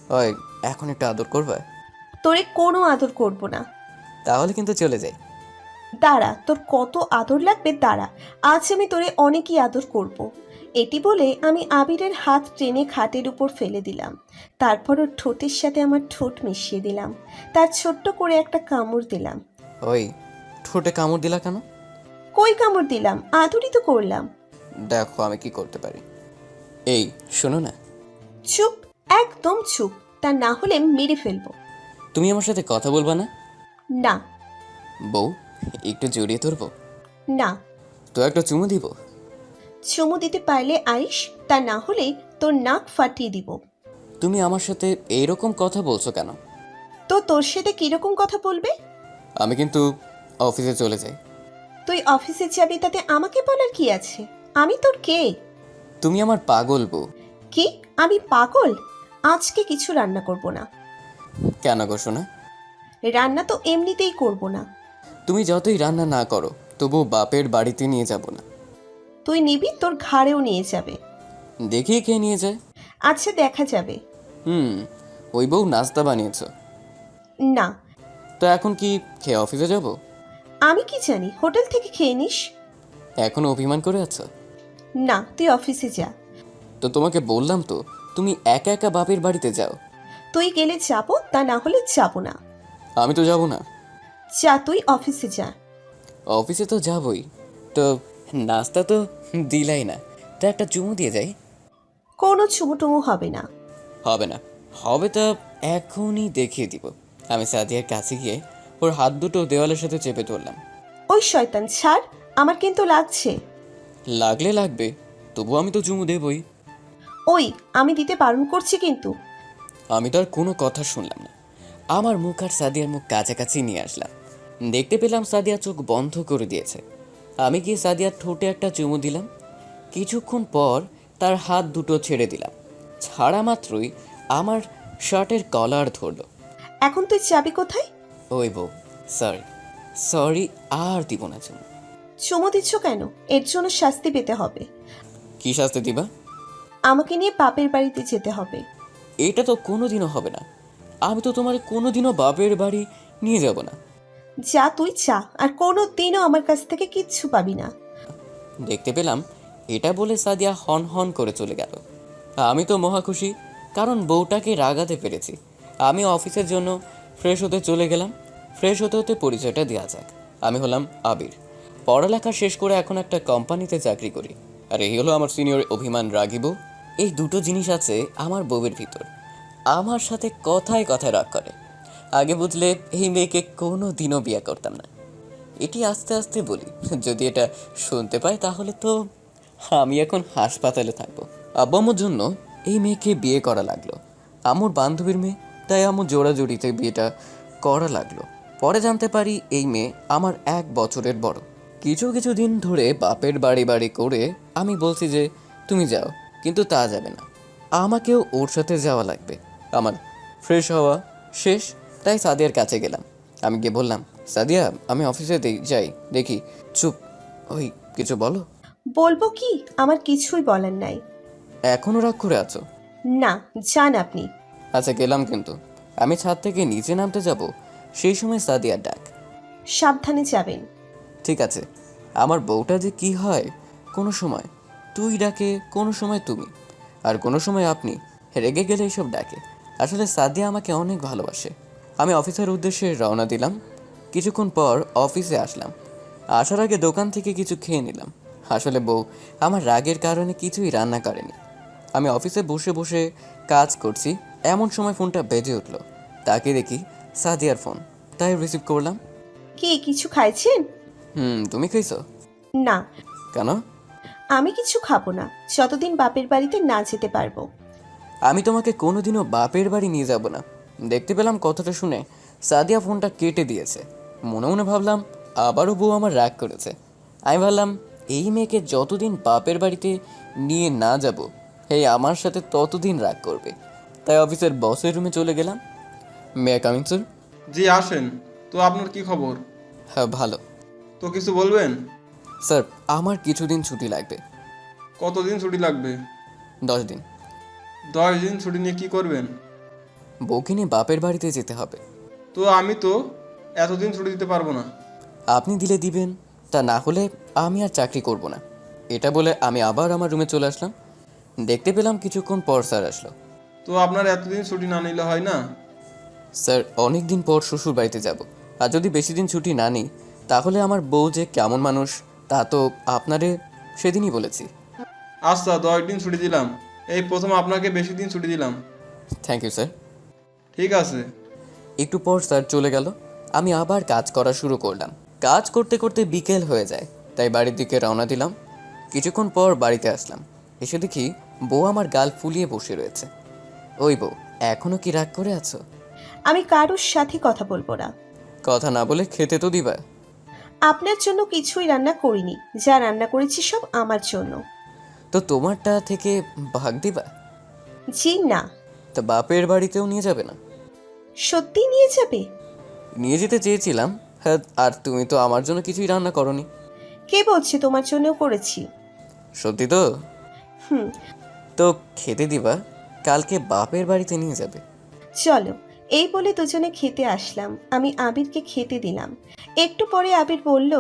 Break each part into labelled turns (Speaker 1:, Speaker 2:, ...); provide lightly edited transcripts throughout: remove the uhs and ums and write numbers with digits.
Speaker 1: ওই, এখন একটু আদর করবে?
Speaker 2: তোরে কোনো আদর করব না।
Speaker 1: তাহলে কিন্তু চলে যাই।
Speaker 2: দাঁড়া, তোর কত আদর লাগবে দাঁড়া। আজ আমি তোরে অনেকই আদর করব। এটি বলে আমি আবিরের হাত টেনে খাটের উপর ফেলে দিলাম। তারপর ওর ঠোঁটের সাথে আমার ঠোঁট মিশিয়ে দিলাম। তার ছোট্ট করে একটা কামড় দিলাম।
Speaker 1: ওই, ঠোঁটে কামড় দিলা কেন?
Speaker 2: কই কামড় দিলাম? আদরই তো করলাম।
Speaker 1: দেখো আমি কি করতে পারি। এই, শোনো না।
Speaker 2: চুপ, একদম চুপ, তা না হলে মেরে ফেলবো।
Speaker 1: তুমি আমার সাথে কথা বলবা না?
Speaker 2: না।
Speaker 1: বউ, একটু জড়িয়ে ধরবো?
Speaker 2: না।
Speaker 1: তো একটা চুমু দিব?
Speaker 2: চুমু দিতে পারলে আইস, তা না হলে তোর নাক ফাটিয়ে দিব।
Speaker 1: তুমি আমার সাথে এইরকম কথা বলছো কেন?
Speaker 2: তো তোর সাথে কিরকম কথা বলবে?
Speaker 1: আমি কিন্তু অফিসে চলে যাই।
Speaker 2: তুই অফিসে যাবি তাতে আমাকে বলার কি আছে? আমি তোর কে?
Speaker 1: তুমি আমার পাগল বউ।
Speaker 2: কি? আমি পাগল? আজকে কিছু রান্না করব না।
Speaker 1: কেন গো শোনা?
Speaker 2: রান্না তো এমনিতেই করব না।
Speaker 1: তুমি যতই রান্না না করো তবু বাপের বাড়িতে নিয়ে যাব না।
Speaker 2: তুই নিবি, তোর ঘাড়েও নিয়ে যাবে।
Speaker 1: দেখি কে নিয়ে যায়।
Speaker 2: আচ্ছা, দেখা যাবে।
Speaker 1: হুম, ওই বউ নাস্তা বানিয়েছ?
Speaker 2: না।
Speaker 1: তো এখন কি খেয়ে অফিসে যাব?
Speaker 2: আমি কি জানি, হোটেল থেকে খেয়ে নিস।
Speaker 1: এখনো অভিমান করে আছো?
Speaker 2: না, তুই অফিসে যা।
Speaker 1: তো তোমাকে বললাম তো, তুমি একা একা বাপের বাড়িতে যাও।
Speaker 2: তুই গেলে যাবো, তা না হলে যাব না।
Speaker 1: আমি তো যাব না।
Speaker 2: যা, তুই অফিসে যা।
Speaker 1: অফিসে তো যাবই। তো নাস্তা তো দিলাই না, তো একটা চুমু দিয়ে যাই।
Speaker 2: কোনো চুমু টুমু হবে না।
Speaker 1: হবে না? হবে তা এখনই দেখিয়ে দিব। আমি সাদিয়ার কাছে গিয়ে ওর হাত দুটো দেওয়ালের সাথে চেপে ধরলাম।
Speaker 2: ওই শয়তান ছাড়, আমার কিন্তু লাগছে।
Speaker 1: লাগলে লাগবে, তবু আমি তো চুমু দেবই।
Speaker 2: ওই, আমি দিতে বারণ করছি কিন্তু।
Speaker 1: আমি তো আর কোনো কথা শুনলাম না। আমার মুখ আর সাদিয়ার মুখ কাছাকাছি নিয়ে আসলাম। দেখতে পেলাম সাদিয়া চোখ বন্ধ করে দিয়েছে। আমি গিয়ে সাদিয়ার ঠোঁটে একটা চুমু দিলাম। কিছুক্ষণ পর তার হাত দুটো ছেড়ে দিলাম। ছাড়া মাত্রই আমার শার্টের কলার ধরলো।
Speaker 2: এখন তুই যাবি কোথায়?
Speaker 1: ওই বউ, সরি সরি, আর দিব না চুমু।
Speaker 2: চুমু দিচ্ছ কেন? এর জন্য শাস্তি পেতে হবে।
Speaker 1: কি শাস্তি দিবা?
Speaker 2: আমাকে নিয়ে বাপের বাড়িতে যেতে হবে।
Speaker 1: এটা তো কোনোদিনও হবে না। আমি তো তোমার কোনোদিনও বাপের বাড়ি নিয়ে যাব না।
Speaker 2: যা, তুই যা, আর কোনো দিনও আমার কাছ থেকে কিচ্ছু পাবি না।
Speaker 1: দেখতে পেলাম এটা বলে সাদিয়া হন হন করে চলে গেল। আমি তো মহা খুশি, কারণ বউটাকে রাগাতে পেরেছি। আমি অফিসের জন্য ফ্রেশ হতে চলে গেলাম। ফ্রেশ হতে হতে পরিচয়টা দেওয়া যাক। আমি হলাম আবির। পড়ালেখা শেষ করে এখন একটা কোম্পানিতে চাকরি করি। আর এই হলো আমার সিনিয়র অভিমান রাগী বউ। এই দুটো জিনিস আছে আমার বউয়ের ভিতর। আমার সাথে কথায় কথায় রাগ করে। আগে বুঝলে এই মেয়েকে কোনো দিনও বিয়ে করতাম না। এটি আস্তে আস্তে বলি, যদি এটা শুনতে পাই তাহলে তো আমি এখন হাসপাতালে থাকবো। আব্বু আম্মুর জন্য এই মেয়েকে বিয়ে করা লাগলো। আম্মুর বান্ধবীর মেয়ে, তাই আম্মু জোড়াজুড়িতে বিয়েটা করা লাগলো। পরে জানতে পারি এই মেয়ে আমার 1 বছরের বড়। কিছু কিছু দিন ধরে বাপের বাড়ি বাড়ি করে আমি বলছি যে তুমি যাও, কিন্তু তা যাবে না, আমাকেও ওর সাথে যাওয়া লাগবে। আমার ফ্রেশ হওয়া শেষ, তাই সাদিয়ার কাছে গেলাম। আমি গিয়ে বললাম, সাদিয়া আমি অফিসে যাই দেখি। চুপ। ওই, কিছু বলো।
Speaker 2: বলবো কি? আমার কিছুই বলার নাই।
Speaker 1: এখনো রাগ করে আছো?
Speaker 2: না, যান আপনি।
Speaker 1: আচ্ছা গেলাম, কিন্তু আমি ছাদ থেকে নিচে নামতে যাব সেই সময় সাদিয়ার ডাক।
Speaker 2: সাবধানে যাবেন।
Speaker 1: ঠিক আছে। আমার বউটা যে কি হয়, কোনো সময় তুই ডাকে, কোনো সময় তুমি, আর কোনো সময় আপনি। রেগে গেলে এইসব ডাকে। আসলে সাদিয়া আমাকে অনেক ভালোবাসে। আমি অফিসের উদ্দেশ্যে রওনা দিলাম। কিছুক্ষণ পর অফিসে আসলাম। আসার আগে দোকান থেকে কিছু খেয়ে নিলাম। আসলে বউ আমার রাগের কারণে কিছুই রান্না করেনি। আমি অফিসে বসে বসে কাজ করছি, এমন সময় ফোনটা বেজে উঠলো। তাকে দেখি সাদিয়ার ফোন, তাই রিসিভ করলাম।
Speaker 2: কি কিছু খাইছেন?
Speaker 1: তুমি খাইছো?
Speaker 2: না।
Speaker 1: কেন?
Speaker 2: আমি কিছু খাবো না যতদিন বাপের বাড়িতে না যেতে পারবো।
Speaker 1: আমি তোমাকে কোনোদিনও বাপের বাড়ি নিয়ে যাব না। দেখতে পেলাম কথাটা শুনে সাদিয়া ফোনটা কেটে দিয়েছে। মনে মনে ভাবলাম আবারও বউ আমার রাগ করেছে। আমি ভাবলাম এই মেয়েকে যতদিন বাপের বাড়িতে নিয়ে না যাব, এই আমার সাথে ততদিন রাগ করবে। তাই অফিসের বসের রুমে চলে গেলাম। May I coming sir?
Speaker 3: জি আসেন। তো আপনার কি খবর?
Speaker 1: হ্যাঁ ভালো।
Speaker 3: তো কিছু বলবেন?
Speaker 1: স্যার আমার কিছুদিন ছুটি লাগবে।
Speaker 3: কতদিন ছুটি লাগবে?
Speaker 1: 10 দিন।
Speaker 3: 10 দিন ছুটি নিয়ে কি করবেন?
Speaker 1: বউকে নিয়ে বাপের বাড়িতে যেতে হবে।
Speaker 3: তো আমি তো এতদিন ছুটি দিতে পারবো না।
Speaker 1: আপনি দিলে দিবেন, তা না হলে আমি আর চাকরি করব না। এটা বলে আমি আবার আমার রুমে চলে আসলাম। দেখতে পেলাম কিছুক্ষণ পর স্যার আসলো।
Speaker 3: তো আপনার এতদিন ছুটি না নিলে হয় না?
Speaker 1: স্যার, অনেক দিন পর শ্বশুর বাড়িতে যাব, আর যদি বেশি দিন ছুটি না নিই তাহলে আমার বউ যে কেমন মানুষ তা তো আপনারে সেদিনই বলেছি।
Speaker 3: আচ্ছা, 10 দিন ছুটি দিলাম। এই প্রথম আপনাকে বেশি দিন ছুটি দিলাম।
Speaker 1: Thank you sir.
Speaker 3: ঠিক আছে।
Speaker 1: একটু পর স্যার চলে গেল। আমি আবার কাজ করা শুরু করলাম। কাজ করতে করতে বিকেল হয়ে যায়, তাই বাড়ির দিকে রওনা দিলাম। কিছুক্ষণ পর বাড়িতে আসলাম। এসে দেখি বউ আমার গাল ফুলিয়ে বসে রয়েছে। ওই বউ, এখনো কি রাগ করে আছো?
Speaker 2: আমি কারোর সাথে কথা বলবো না।
Speaker 1: কথা না বলে খেতে তো দিবা।
Speaker 2: আপনার জন্য কিছুই রান্না করিনি, যা রান্না করেছি সব আমার জন্য।
Speaker 1: তো তোমারটা থেকে ভাগ দিবা?
Speaker 2: জি না।
Speaker 1: তা বাপের বাড়িতেও নিয়ে যাবে না?
Speaker 2: সত্যি নিয়ে যাবে?
Speaker 1: নিয়ে যেতে চেয়েছিলাম, হ্যাঁ, আর তুমি তো আমার জন্য কিছুই রান্না করনি।
Speaker 2: কে বলছে তোমার জন্যও করেছি?
Speaker 1: সত্যি তো?
Speaker 2: হুম।
Speaker 1: তো খেতে দিবা, কালকে বাপের বাড়িতে নিয়ে যাবে।
Speaker 2: চলো। এই বলে দুজনে খেতে আসলাম। আমি আবিরকে খেতে দিলাম। একটু পরে আবির বলল,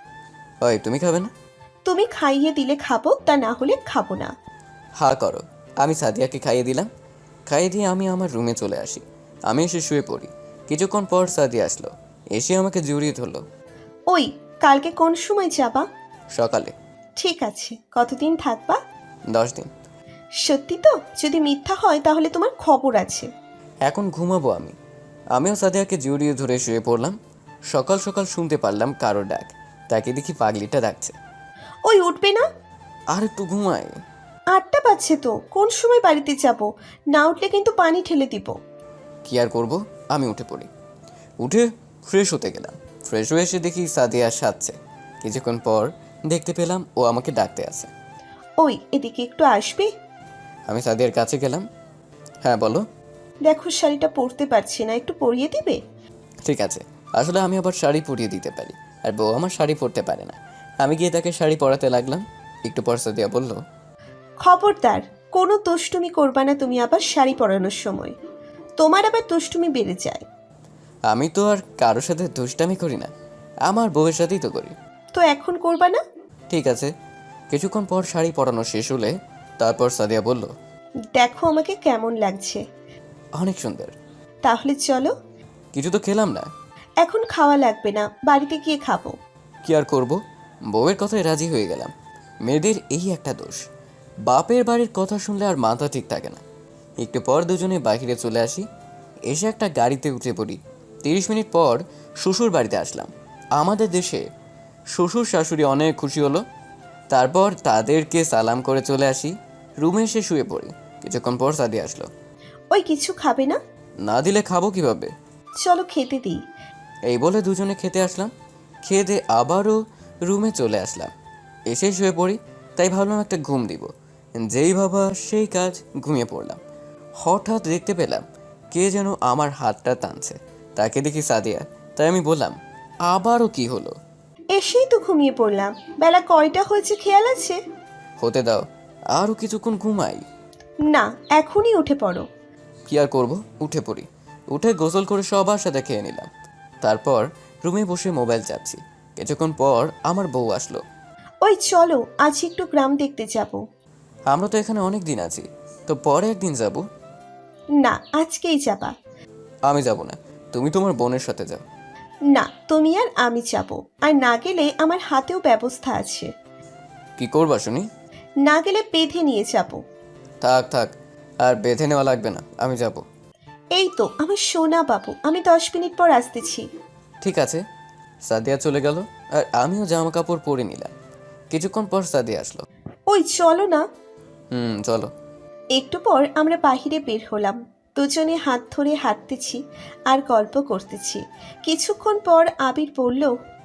Speaker 1: ওই, তুমি খাবে না?
Speaker 2: তুমি খাইয়ে দিলে খাবো, তা না হলে খাবো না।
Speaker 1: হা করো। আমি সাদিয়াকে খাইয়ে দিলাম। খাইয়ে দিয়ে আমি আমার রুমে চলে আসি। আমি এসে শুয়ে পড়ি। কিছুক্ষণ পর সাদিয়া আসলো। এসে আমাকে জড়িয়ে ধরলো।
Speaker 2: ওই, কালকে কোন সময় যাবা?
Speaker 1: সকালে।
Speaker 2: ঠিক আছে, কতদিন থাকবা?
Speaker 1: 10 দিন।
Speaker 2: সত্যি তো? যদি মিথ্যা হয় তাহলে তোমার খবর আছে।
Speaker 1: এখন ঘুমাবো আমি। আমিও সাদিয়াকে জড়িয়ে ধরে শুয়ে পড়লাম। সকাল সকাল শুনতে পারলাম কারো ডাক। তাকে দেখি পাগলিটা ডাকছে।
Speaker 2: ওই, উঠবে না?
Speaker 1: আর একটু ঘুমাই।
Speaker 2: 8টা বাজছে তো, কোন সময় বাড়িতে যাব? না উঠলে কিন্তু পানি ঠেলে দিব।
Speaker 1: কি আর করব, আমি উঠে পড়ি। উঠে ফ্রেশ হতে গেলাম। ফ্রেশ হয়ে এসে দেখি সাদিয়া সাজছে। কিছুক্ষণ পর দেখতে পেলাম ও আমাকে ডাকতে আছে।
Speaker 2: ওই, এদিকে একটু আসবে?
Speaker 1: আমি সাদিয়ার কাছে গেলাম। হ্যাঁ, বলো।
Speaker 2: দেখো, শাড়িটা পরতে পারছি না, একটু পরিয়ে দিবে?
Speaker 1: ঠিক আছে। আসলে আমি আবার শাড়ি পরিয়ে দিতে পারি, আর বউ আমার শাড়ি পরতে পারে না। আমি গিয়ে তাকে শাড়ি পরাতে লাগলাম। একটু পর সাদিয়া বলল,
Speaker 2: খবরদার, কোনো দুষ্টুমি করবা না তুমি আবার শাড়ি পরানোর সময়। তোমার আবার দুষ্টুমি বেড়ে যায়।
Speaker 1: আমি তো আর কারোর সাথে দুষ্টামি করি না, আমার বউয়ের সাথেই তো করি।
Speaker 2: তো এখন করবা না?
Speaker 1: ঠিক আছে। কিছুক্ষণ পর শাড়ি পরানো শেষ হলে তারপর সাদিয়া বলল,
Speaker 2: দেখো আমাকে কেমন লাগছে।
Speaker 1: অনেক সুন্দর।
Speaker 2: তাহলে চলো।
Speaker 1: কিছু তো খেলাম না।
Speaker 2: এখন খাওয়া লাগবে না, বাড়িতে গিয়ে খাবো।
Speaker 1: কি আর করব, বউয়ের কথায় রাজি হয়ে গেলাম। মেয়েদের এই একটা দোষ, বাপের বাড়ির কথা শুনলে আর মাথা ঠিক থাকে না। একটু পর দুজনে বাইরে চলে আসি। এসে একটা গাড়িতে উঠে পড়ি। 30 মিনিট পর শ্বশুর বাড়িতে আসলাম। আমাদের দেশে শ্বশুর শাশুড়ি অনেক খুশি হলো। তারপর তাদেরকে সালাম করে চলে আসি। রুমে এসে শুয়ে পড়ি। কিছুক্ষণ পর সাদিয়া আসলো।
Speaker 2: ওই, কিছু খাবে না?
Speaker 1: না দিলে খাবো কিভাবে?
Speaker 2: চলো খেতে দিই।
Speaker 1: এই বলে দুজনে খেতে আসলাম। খেয়ে দিয়ে আবারও রুমে চলে আসলাম। এসে শুয়ে পড়ি। তাই ভাবলাম একটা ঘুম দিব। যেই ভাবা সেই কাজ, ঘুমিয়ে পড়লাম। হঠাৎ দেখতে পেলাম কে যেন আমার হাতটা টানছে। তাকে দেখি সাদিয়া। তাই আমি বললাম, আবারও কি হলো?
Speaker 2: এসেই তো ঘুমিয়ে পড়লাম। বেলা কয়টা হয়েছে খেয়াল আছে?
Speaker 1: হতে দাও, আরও কিছুক্ষণ ঘুমাই।
Speaker 2: না, এখনই উঠে পড়ো।
Speaker 1: কি আর করব, উঠে পড়ি। উঠে গোসল করে সবার সাথে খেয়ে নিলাম। তারপর রুমে বসে মোবাইল চাপছি। কিছুক্ষণ পর আমার বউ আসলো।
Speaker 2: ওই চলো, আজ একটু গ্রাম দেখতে যাব।
Speaker 1: আমরা তো এখানে অনেক দিন আছি, তো পরে একদিন যাব।
Speaker 2: না, আজকেই যাবা।
Speaker 1: আমি যাব না, তুমি তোমার বোনের সাথে যাও।
Speaker 2: না, তুমি আর আমি যাব। আর না গেলে আমার হাতেও ব্যবস্থা আছে।
Speaker 1: কি করবা শুনি?
Speaker 2: না গেলে বেঁধে নিয়ে যাব।
Speaker 1: থাক থাক, আর বেঁধে নেওয়া লাগবে না, আমি যাব।
Speaker 2: এই তো আমার সোনা বাবু, আমি 10 মিনিট পর আসতেছি।
Speaker 1: ঠিক আছে। সাদিয়া চলে গেল, আর আমিও জামা কাপড় পরে নিলাম। কিছুক্ষণ পর সাদিয়া আসলো।
Speaker 2: ওই চলো না।
Speaker 1: চলো।
Speaker 2: একটু পর আমরা বাহিরে বের হলাম। দুজনে হাত ধরে হাঁটতেছি আর গল্প করতেছি। কিছুক্ষণ পর আবির বলল,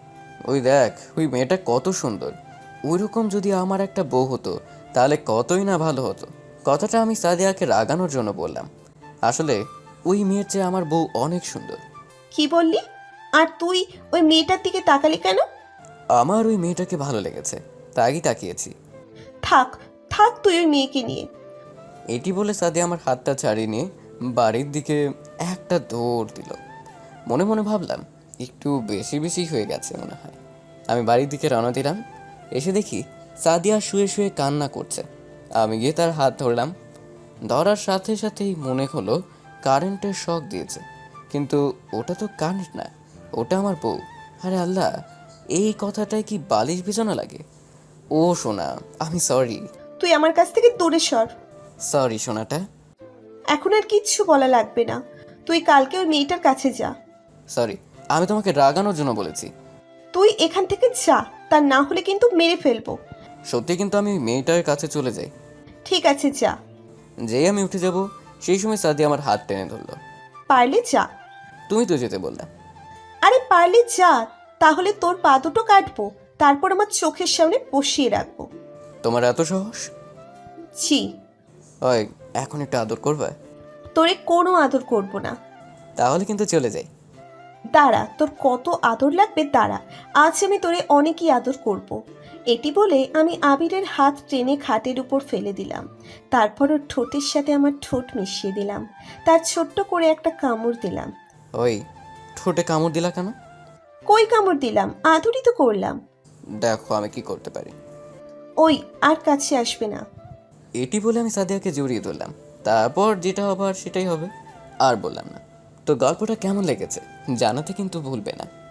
Speaker 1: ওই দেখ, ওই মেয়েটা কত সুন্দর। ওইরকম যদি আমার একটা বউ হতো তাহলে কতই না ভালো হতো। কথাটা আমি সাদিয়াকে রাগানোর জন্য বললাম। আসলে ওই মেয়ের চেয়ে আমার বউ অনেক সুন্দর।
Speaker 2: কি বললি? আর তুই ওই মেয়েটার দিকে তাকালি কেন?
Speaker 1: আমার ওই মেয়েটাকে ভালো লেগেছে, তাই তাকিয়েছি।
Speaker 2: থাক থাক, তুই ওই মেয়েকে নিয়ে।
Speaker 1: এটি বলে সাদিয়া আমার হাতটা ছাড়িয়ে নিয়ে বাড়ির দিকে একটা দৌড় দিল। মনে মনে ভাবলাম একটু বেশি বেশি হয়ে গেছে মনে হয়। আমি বাড়ির দিকে রওনা দিলাম। এসে দেখি সাদিয়া শুয়ে শুয়ে কান্না করছে। আমি গিয়ে তার হাত ধরলাম। ধরার সাথে সাথেই মনে হলো কারেন্টের শক দিয়েছে, কিন্তু ওটা তো কারেন্ট না, ওটা আমার বউ। আরে আল্লাহ, এই কথাটাই কি বালিশ ভিজানো লাগে? ও সোনা, আমি সরি।
Speaker 2: তুই আমার কাছ থেকে দূরে সর।
Speaker 1: সরি সোনাটা।
Speaker 2: এখন আর কিচ্ছু বলা লাগবে না। তুই কালকে ওই মেয়েটার কাছে যা।
Speaker 1: সরি, আমি তোমাকে রাগানোর জন্য বলেছি।
Speaker 2: তুই এখান থেকে যা, তা না হলে কিন্তু মেরে ফেলবো।
Speaker 1: সত্যি কিন্তু আমি মেয়েটার কাছে চলে যাই।
Speaker 2: ঠিক আছে যা।
Speaker 1: যেই আমি উঠে যাব সেই সময় সাদিয়া আমার হাত টেনে ধরলো।
Speaker 2: পারলে যা।
Speaker 1: তুমি তো যেতে বললে।
Speaker 2: আরে পারলে যা, তাহলে তোর পা দুটো কাটবো, তারপর আমার চোখের সামনে বসিয়ে রাখবো।
Speaker 1: তোমার এত সাহস?
Speaker 2: জি।
Speaker 1: ওই, এখন একটু আদর করবে?
Speaker 2: তোরে কোনো আদর করব না।
Speaker 1: তাহলে কিন্তু চলে যাই।
Speaker 2: দাঁড়া, তোর কত আদর লাগবে দাঁড়া, আজ আমি তোরে অনেকই আদর করব। এটি বলে আমি আবিরের হাত টেনে খাটের উপর ফেলে দিলাম। তারপর ওর ঠোঁটের সাথে আমার ঠোঁট মিশিয়ে দিলাম। তার ছোট্ট করে একটা কামড় দিলাম।
Speaker 1: ওই, ঠোঁটে কামড় দিলা কেন?
Speaker 2: কই কামড় দিলাম, আদরই তো করলাম।
Speaker 1: দেখো আমি কি করতে পারি।
Speaker 2: ওই, আর কাছে আসবে না।
Speaker 1: এটি বলে আমি সাদিয়াকে জড়িয়ে ধরলাম। তারপর যেটা হবার সেটাই হবে, আর বললাম না। তো গল্পটা কেমন লেগেছে জানাতে কিন্তু ভুলবে না।